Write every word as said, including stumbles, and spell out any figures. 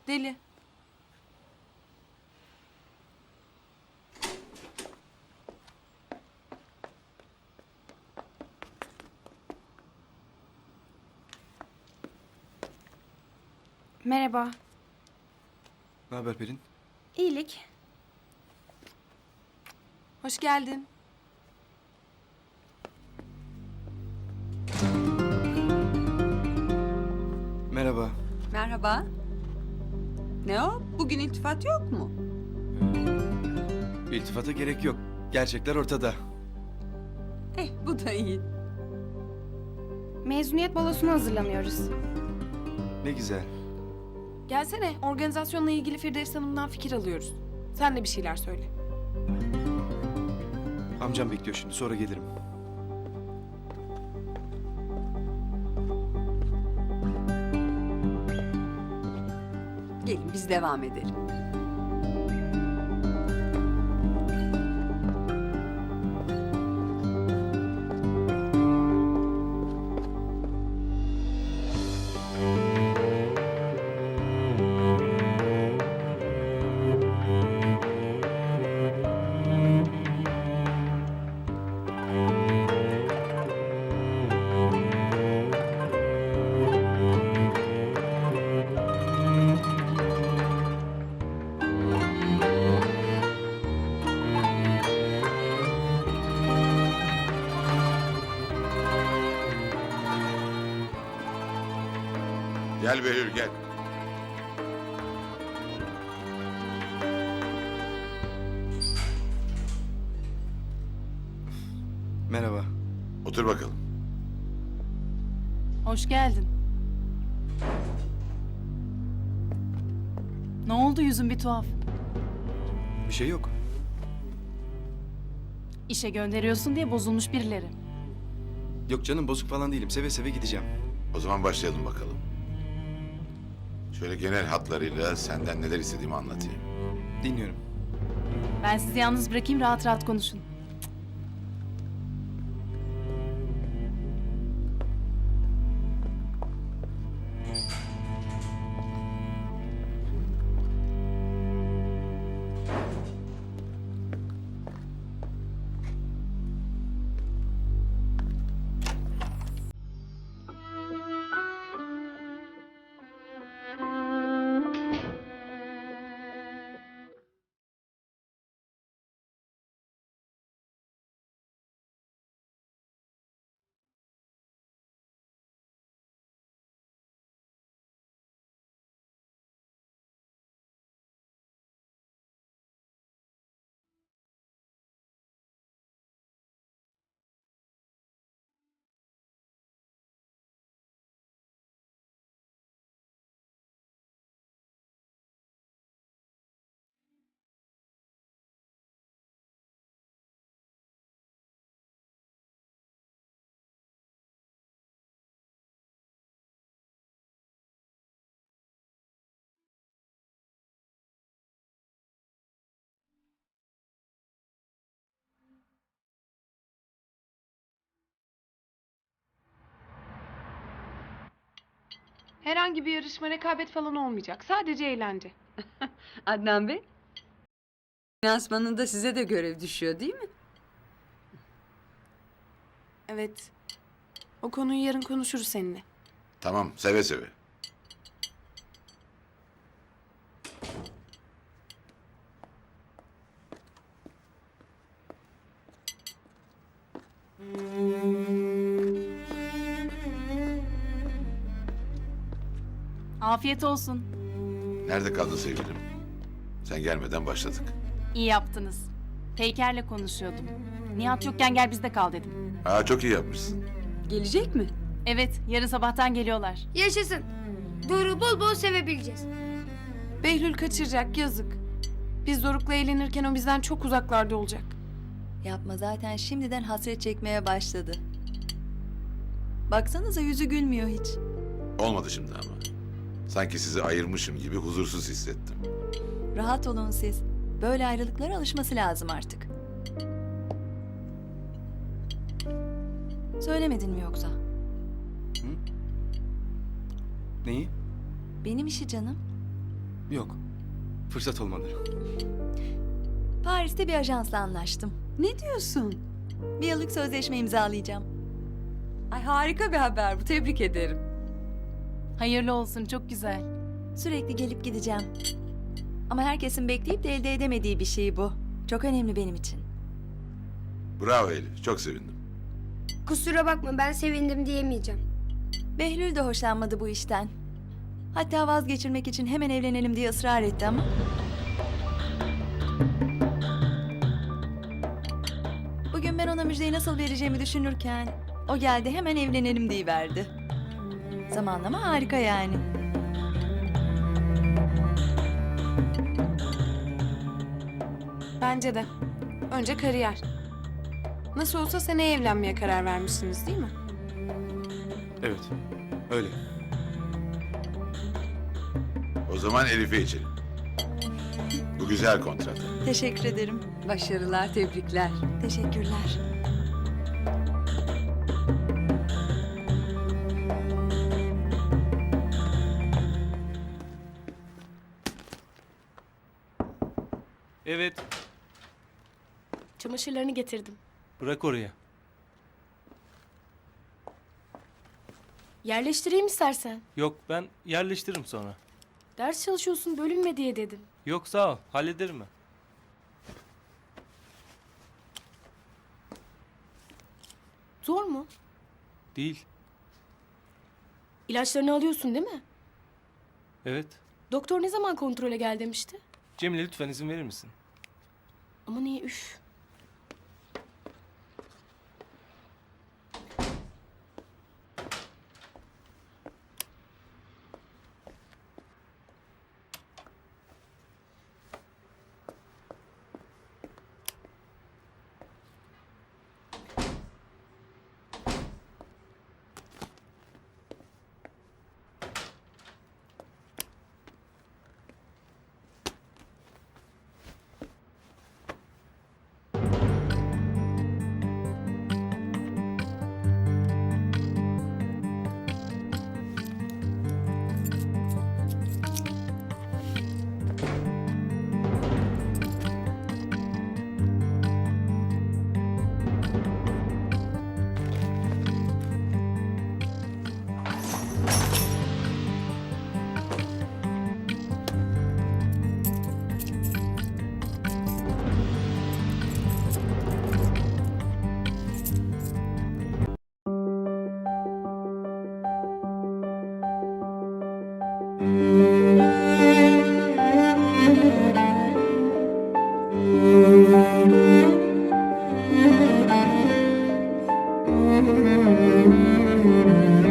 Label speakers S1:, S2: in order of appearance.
S1: Deli. Merhaba.
S2: Ne haber Pelin?
S1: İyilik. Hoş geldin.
S2: Merhaba.
S3: Merhaba. Ne o? Bugün iltifat yok mu?
S2: İltifata gerek yok. Gerçekler ortada.
S3: Eh, bu da iyi.
S1: Mezuniyet balosuna hazırlanıyoruz.
S2: Ne güzel.
S1: Gelsene, organizasyonla ilgili Firdevs Hanım'dan fikir alıyoruz. Sen de bir şeyler söyle.
S2: Amcam bekliyor şimdi. Sonra gelirim.
S3: Gelin biz devam edelim.
S4: Gel Behlül gel.
S2: Merhaba.
S4: Otur bakalım.
S5: Hoş geldin. Ne oldu, yüzün bir tuhaf?
S2: Bir şey yok.
S5: İşe gönderiyorsun diye bozulmuş birileri.
S2: Yok canım, bozuk falan değilim. Seve seve gideceğim.
S4: O zaman başlayalım bakalım. Şöyle genel hatlarıyla senden neler istediğimi anlatayım.
S2: Dinliyorum.
S5: Ben sizi yalnız bırakayım, rahat rahat konuşun.
S1: Herhangi bir yarışma, rekabet falan olmayacak. Sadece eğlence.
S3: Adnan Bey, finansmanında size de görev düşüyor değil mi?
S1: Evet. O konuyu yarın konuşuruz seninle.
S4: Tamam, seve seve.
S5: Afiyet olsun.
S4: Nerede kaldın sevgilim? Sen gelmeden başladık.
S5: İyi yaptınız. Peyker'le konuşuyordum. Nihat yokken gel bizde kal dedim.
S4: Aa, çok iyi yapmışsın.
S3: Gelecek mi?
S5: Evet, yarın sabahtan geliyorlar.
S6: Yaşasın. Doruk'u bol bol sevebileceğiz.
S1: Behlül kaçıracak, yazık. Biz Doruk'la eğlenirken o bizden çok uzaklarda olacak.
S7: Yapma, zaten şimdiden hasret çekmeye başladı. Baksanıza, yüzü gülmüyor hiç.
S4: Olmadı şimdi ama. Sanki sizi ayırmışım gibi huzursuz hissettim.
S7: Rahat olun siz. Böyle ayrılıklara alışması lazım artık. Söylemedin mi yoksa?
S2: Hı? 嗯
S7: Benim işi canım.
S2: neyi?
S7: 嗯
S2: Hı? 嗯
S7: Benim işi canım.
S2: Yok. Fırsat olmadı.
S7: Paris'te bir ajansla anlaştım.
S3: Ne diyorsun?
S7: Bir yıllık sözleşme imzalayacağım.
S3: Ay harika bir haber bu. Tebrik ederim.
S5: Hayırlı olsun, çok güzel.
S7: Sürekli gelip gideceğim. Ama herkesin bekleyip de elde edemediği bir şey bu. Çok önemli benim için.
S4: Bravo Elif, çok sevindim.
S6: Kusura bakma ben sevindim diyemeyeceğim.
S7: Behlül de hoşlanmadı bu işten. Hatta vazgeçirmek için hemen evlenelim diye ısrar etti ama... Bugün ben ona müjdeyi nasıl vereceğimi düşünürken... O geldi hemen evlenelim diyiverdi. Zamanlama harika yani.
S1: Bence de. Önce kariyer. Nasıl olsa seneye evlenmeye karar vermişsiniz değil mi?
S2: Evet. Öyle.
S4: O zaman Elif'e içelim. Bu güzel kontrat.
S7: Teşekkür ederim.
S3: Başarılar, tebrikler.
S7: Teşekkürler.
S8: Evet,
S9: Çamaşırlarını getirdim.
S8: bırak oraya.
S9: Yerleştireyim istersen.
S8: Yok, ben yerleştiririm sonra.
S9: Ders çalışıyorsun bölünme diye dedim.
S8: Yok, sağ ol, hallederim ben.
S9: Zor mu?
S8: Değil,
S9: İlaçlarını alıyorsun değil mi?
S8: evet.
S9: Doktor ne zaman kontrole gel demişti?
S8: Cemile lütfen izin verir misin?
S9: Ama niye üf.
S6: Müzik